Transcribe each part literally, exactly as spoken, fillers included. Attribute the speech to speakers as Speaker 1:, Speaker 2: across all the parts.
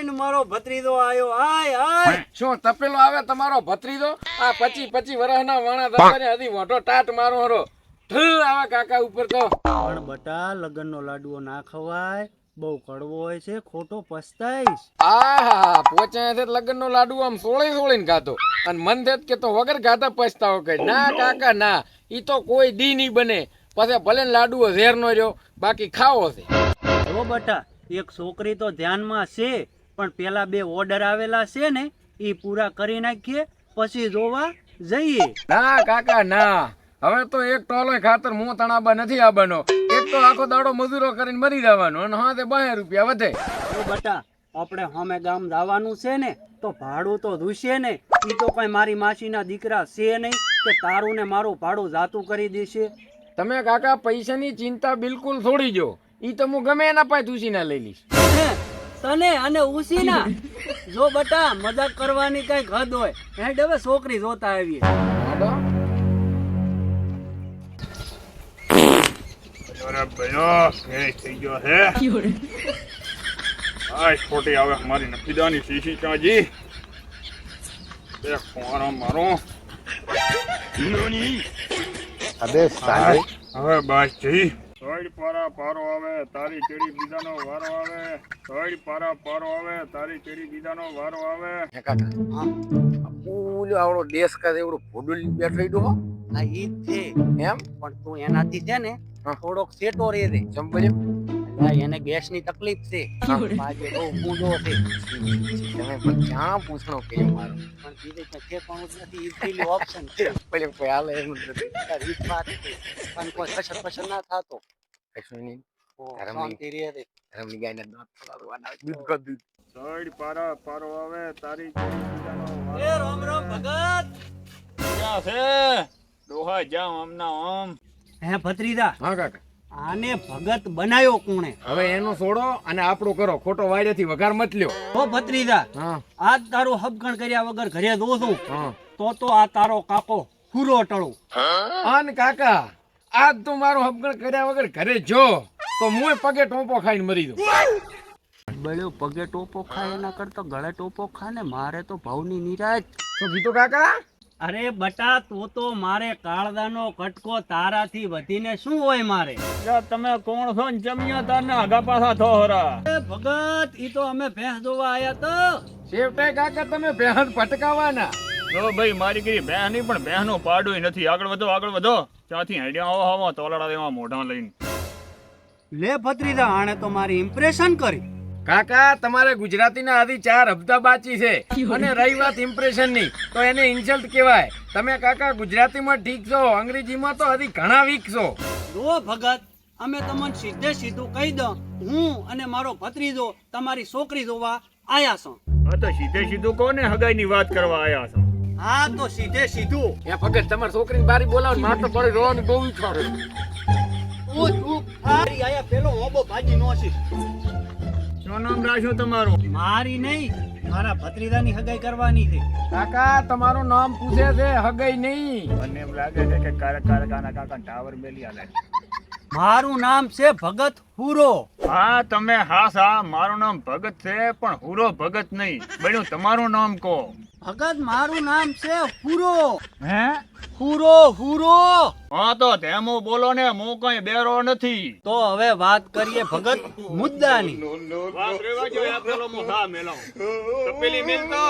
Speaker 1: આય ને મારો ભત્રીજો આયો આય આય
Speaker 2: શું તપેલો આવે તમારો ભત્રીજો? આ પચી પચી વર્ષના વાણા દબાને હજી મોટો ટાટ મારો હરો ઠ આવા કાકા ઉપર તો.
Speaker 1: પણ બટા લગનનો લાડવો ના ખવાય, બહુ કડવો હોય છે, ખોટો પસ્તાઈશ.
Speaker 2: આહા પોચાય છે લગનનો લાડુ આમ સોળી સોળીને ખાતો અને મન થેત કે તો વગર ખાતા પછતાવો કરે. ના કાકા ના, ઈ તો કોઈ દી નહીં બને. પછી ભલે ને લાડુઓ ઝેર નો રહ્યો, બાકી ખાવો છે.
Speaker 1: જો બટા એક છોકરી તો ધ્યાનમાં છે, પણ પેલા બે ઓર્ડર આવેલા છે ને ઈ પૂરા કરી નાખીએ પછી જોવા જઈએ.
Speaker 2: ના કાકા ના, હવે તો એક ટોલો ખાતર મું તણાબા નથી આવવાનો. એક તો આખો દાડો મજૂરો કરીને મરી જવાનો અને હા તે બાર રૂપિયા વધે.
Speaker 1: જો બટા આપણે હમે ગામ જવાનું છે ને તો ભાડું તો ધૂસે ને. ઈ તો કઈ મારી માસીના દીકરા છે નહીં કે તારું ને મારું ભાડું જાતું કરી દેશે.
Speaker 2: તમે કાકા પૈસાની ચિંતા બિલકુલ છોડી જો. ઈ તો હું ગમે એના પાસે ઉસીના લઈ લઈશ.
Speaker 1: હે, તને અને ઉસીના? જો બટા મજાક કરવાની કઈક હદ હોય. હેડ હવે છોકરી જોતા આવીએ.
Speaker 3: અરે ભયો ફેર થઈ ગયો હે. આ ખોટી આવે મારી નફીદાની શીશી ચાજી. એ કોરો મારો.
Speaker 4: અબે સાલે
Speaker 3: હવે બસ જી. સોઈડ પારા પારો આવે તારી ચેડી બીજાનો વારો આવે. સોઈડ પારા પારો આવે તારી ચેડી બીજાનો વારો આવે.
Speaker 2: હે કાકા હા ઓલો આવડો દેશ કા એવડો ભોડુલ બેઠો ઈડો હો.
Speaker 1: આ ઈ જ છે
Speaker 2: એમ
Speaker 1: પણ તું એનાથી છે ને
Speaker 2: હા.
Speaker 1: થોડોક સેટો રે રે.
Speaker 2: ચંપલ્યો
Speaker 1: અલા, એને ગેસની તકલીફ છે. આજે બહુ કૂદો છે.
Speaker 2: તમે પણ ક્યાં પૂછણો કે મારો
Speaker 1: પણ બીજે ક્યાંય ઠેકાણું જ નથી. ઈઝીલી ઓપ્શન છે.
Speaker 2: પેલે કોઈ હાલે એમ જ નથી.
Speaker 1: આ રીત વાત છે. પણ કોઈ કશર પશર ના થાતો.
Speaker 2: કશું નહીં.
Speaker 1: ઓ,
Speaker 2: ધરમની-
Speaker 1: શાંતિ રે રે.
Speaker 2: રમણી ગાયના દાંત ફોડાવવાના દૂધ કો દૂધ.
Speaker 3: સોઈડ પારા પારો આવે તારી ચેડી બીજાનો વારો.
Speaker 1: એ રામ રામ ભગત.
Speaker 3: ક્યાં છે ડોહા જામ આમના આમ.
Speaker 1: હે ભત્રીજા,
Speaker 2: હા કાકા
Speaker 1: આને ભગત બનાયો કોણે?
Speaker 2: હવે એનો છોડો અને આપણું કરો. ખોટો વાયરેથી વઘાર મત લ્યો.
Speaker 1: ઓ ભત્રીજા,
Speaker 2: હા
Speaker 1: આજ તારું હબગણ કર્યા વગર ઘરે દો છું
Speaker 2: હા
Speaker 1: તો તો આ તારો કાકો પૂરો ટળું.
Speaker 2: અન કાકા આજ તું મારું હબગણ કર્યા વગર ઘરે જો તો મુય પગે ટોપો ખાઈને મરી દઉં.
Speaker 1: બળ્યો પગે ટોપો ખાય એના કરતા ગળે ટોપો ખા ને. મારે તો ભાવની નિરાજ.
Speaker 2: શું કીધું કાકા?
Speaker 1: અરે બટા તો તો મારે કાળદાનો કટકો તારાથી વધીને શું હોય મારે?
Speaker 3: તમે કોણ છો ને જમ્યા તારના આગા પાછા થો હરા.
Speaker 1: એ ભગત ઈ તો અમે ભેંસ જોવા આયા તો.
Speaker 2: શેવટાઈ કાકા તમે બેહદ પટકાવાના.
Speaker 3: જો ભાઈ મારી કઈ બહેન નહીં પણ બહેનો પાડું નથી. આગળ વધો આગળ વધો. ત્યાંથી હેડ્યા આવો આવો તોલાડા દેવા મોઢા લઈને.
Speaker 1: લે ભત્રીજા, આણે તો મારી ઇમ્પ્રેશન કરી.
Speaker 2: કાકા તમારે ગુજરાતીના હજી ચાર હપ્તા બાકી છે અને રહી વાત ઇમ્પ્રેશન ની તો એને ઇન્સલ્ટ કહેવાય. તમે કાકા ગુજરાતીમાં ઠીક છો, અંગ્રેજીમાં તો હજી ઘણા વીક છો.
Speaker 1: જો ભગત અમે તમને સીધે સીધું કહી દઉં, હું અને મારો ભત્રીજો તમારી છોકરી જોવા આયા છો.
Speaker 3: હા તો સીધે સીધું કોને હગાઈની વાત કરવા આયા છો?
Speaker 1: હા તો સીધે સીધું.
Speaker 2: એ ભગત તમારી છોકરીને બારી બોલાવો ને મારે તો પડી રોવાની બહુ ઈચ્છા છે.
Speaker 1: તું તું મારી આયા પેલો હોબો ભાજી નો છે.
Speaker 3: શું નામ રાખ્યું તમારું?
Speaker 1: મારી નહીં, મારા ભત્રીજાની હગાઈ કરવાની છે.
Speaker 2: કાકા તમારું નામ પૂછે છે, હગઈ નહીં.
Speaker 3: મને એમ લાગે છે કે કારક કારકાના કાકા ટાવર મેલી આલે.
Speaker 1: મારું નામ છે ભગત હુરો.
Speaker 3: હા તમે હા સા મારું નામ ભગત છે પણ હુરો ભગત નહીં. બન્યું તમારું નામ કહો.
Speaker 1: ભગત મારું નામ છે હુરો.
Speaker 3: હે
Speaker 1: હુરો હુરો.
Speaker 3: હા તો ધેમો બોલો ને, હું કઈ બેરો નથી.
Speaker 1: તો હવે વાત કરીએ ભગત મુદ્દાની.
Speaker 3: વાત રેવા જો આ પેલો મો ખા મેલાવ. તપેલી મેલતો.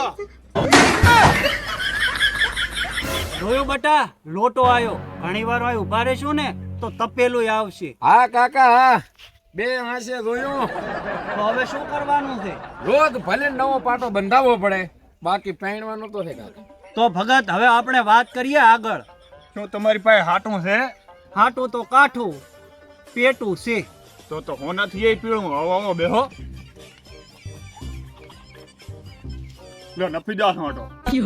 Speaker 1: જોયું બટા, લોટો આયો. ઘણી વાર હોય ઉભા રહેશું ને તો તપેલું આવશે.
Speaker 2: હા કાકા હા, બે હાંસે જોયું.
Speaker 1: તો હવે શું કરવાનું છે?
Speaker 2: રોજ ભલે નવો પાટો બંધાવવો પડે, બાકી પહેણવાનો તો છે કાકા.
Speaker 1: તો ભગત હવે આપણે વાત કરીએ આગળ.
Speaker 3: શું તમારી પાસે હાટું છે?
Speaker 1: હાટું તો કાઠું, પેટું છે.
Speaker 3: તો તો હોનાથી એ પીળું. આવો આવો બેહો. લો નફી દા હાટો.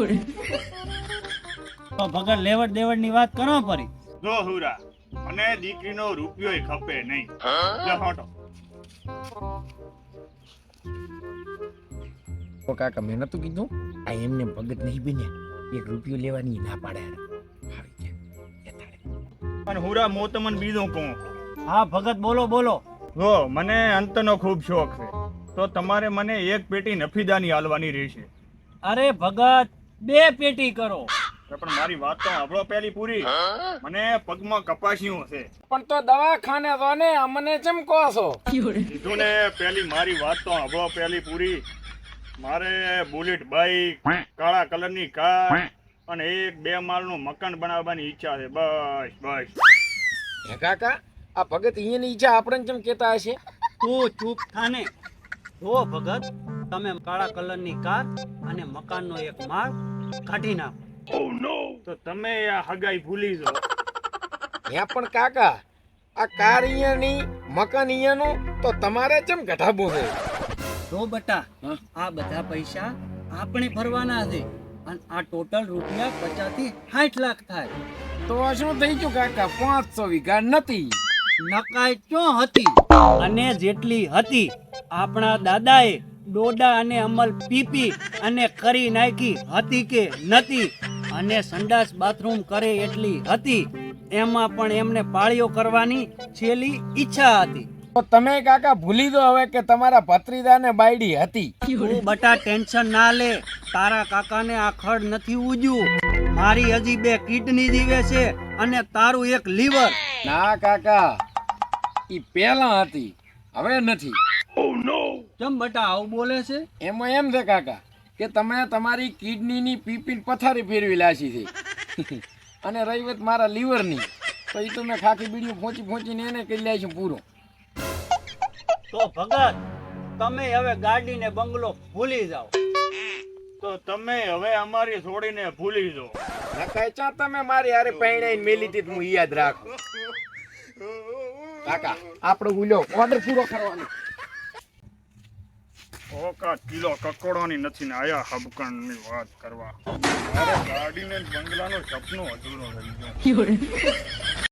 Speaker 1: તો ભગત લેવડ દેવડ ની વાત કરો પરી.
Speaker 3: જો હુરા મને દીકરીનો રૂપિયો ખપે નહીં. લો હાટો.
Speaker 2: તો કાકા મેં નતું કીધું આ એમને ભગત નહીં બન્યા, એક રૂપિયો લેવાની ના પાડે.
Speaker 3: પણ હુરા મો તમને બીજું કહું.
Speaker 1: હા ભગત બોલો બોલો.
Speaker 3: જો મને અંતનો ખૂબ શોખ છે તો તમારે મને એક પેટી નફીદાની હાલવાની રહેશે.
Speaker 1: અરે ભગત, બે પેટી કરો.
Speaker 3: તો પણ મારી વાત તો સાંભળો પહેલી પૂરી. મને પગમાં કપાસ્યું છે.
Speaker 2: પણ તો દવાખાને તો ને અમને ચમ કહો છો?
Speaker 3: કીધું ને પહેલી મારી વાત તો સાંભળો પહેલી પૂરી. મારે બુલેટ બાઈક, કાળા કલરની કાર અને એક બે માળનું મકાન બનાવવાની ઈચ્છા છે. બસ બસ.
Speaker 2: હે કાકા, આ ભગત અહીંયાની ઈચ્છા આપણને ચમ કહેતા હશે?
Speaker 1: તું ચૂપ થાને. જો ભગત, તમે કાળા કલરની કાર અને મકાનનો એક માળ કાઢી નાખો.
Speaker 3: તો તમે આ હગાઈ ભૂલી જાઓ.
Speaker 2: હે પણ કાકા, આ કાર અહીંયાની, મકાન અહીંયાનું, તો તમારે ચમ ઘટાબો છે?
Speaker 1: જો બટા, આ બધા પૈસા આપણે ભરવાના છે અને આ ટોટલ રૂપિયા પચાસ થી સાઠ લાખ થાય.
Speaker 2: તો શું થઈ ગયું કાકા? પાંચસો વીઘા નથી.
Speaker 1: નકાઈ ચો હતી અને જેટલી હતી આપણા દાદાએ ડોડા અને અમલ પીપી અને કરી નાખી હતી કે નથી, અને સંડાસ બાથરૂમ કરે એટલી હતી. એમાં પણ એમને પાળીઓ કરવાની છેલ્લી ઈચ્છા હતી.
Speaker 2: તો તમે કાકા ભૂલી દો હવે કે તમારા ભત્રીજાને બાયડી હતી.
Speaker 1: તું બટા ટેન્શન ના લે. તારા કાકાને આ ખડ નથી ઉજ્યું. મારી હજી બે કિડની જીવે છે અને તારું એક લીવર.
Speaker 2: ના કાકા, ઈ પહેલા હતી, હવે નથી.
Speaker 1: કેમ બટા આવું બોલે છે?
Speaker 2: એમાં એમ છે કાકા કે તમે તમારી કિડનીની પીપી પથારી ફેરવી લાશી છે અને રહી વાત મારા લીવરની, તો એ તો મેં ખાખી બીડીઓ પહોંચી પહોંચીને એને કરી લાવી છે પૂરો.
Speaker 1: તો ભગત, તમે હવે ગાડી ને બંગલો ભૂલી જાઓ.
Speaker 3: તો તમે હવે અમારી છોડીને ભૂલી જાઓ.
Speaker 2: નકાય ચા તમે મારી હારે પૈણાઈને મેલી હતી હું યાદ રાખું. કાકા આપણો ઉલ્યો ઓર્ડર પૂરો કરવાનો.
Speaker 3: ઓકા કિલો કકોડવાની નથી ને આયા હબકણની વાત કરવા. મારે ગાડીને બંગલાનો સપનો અધૂરો રહી ગયો.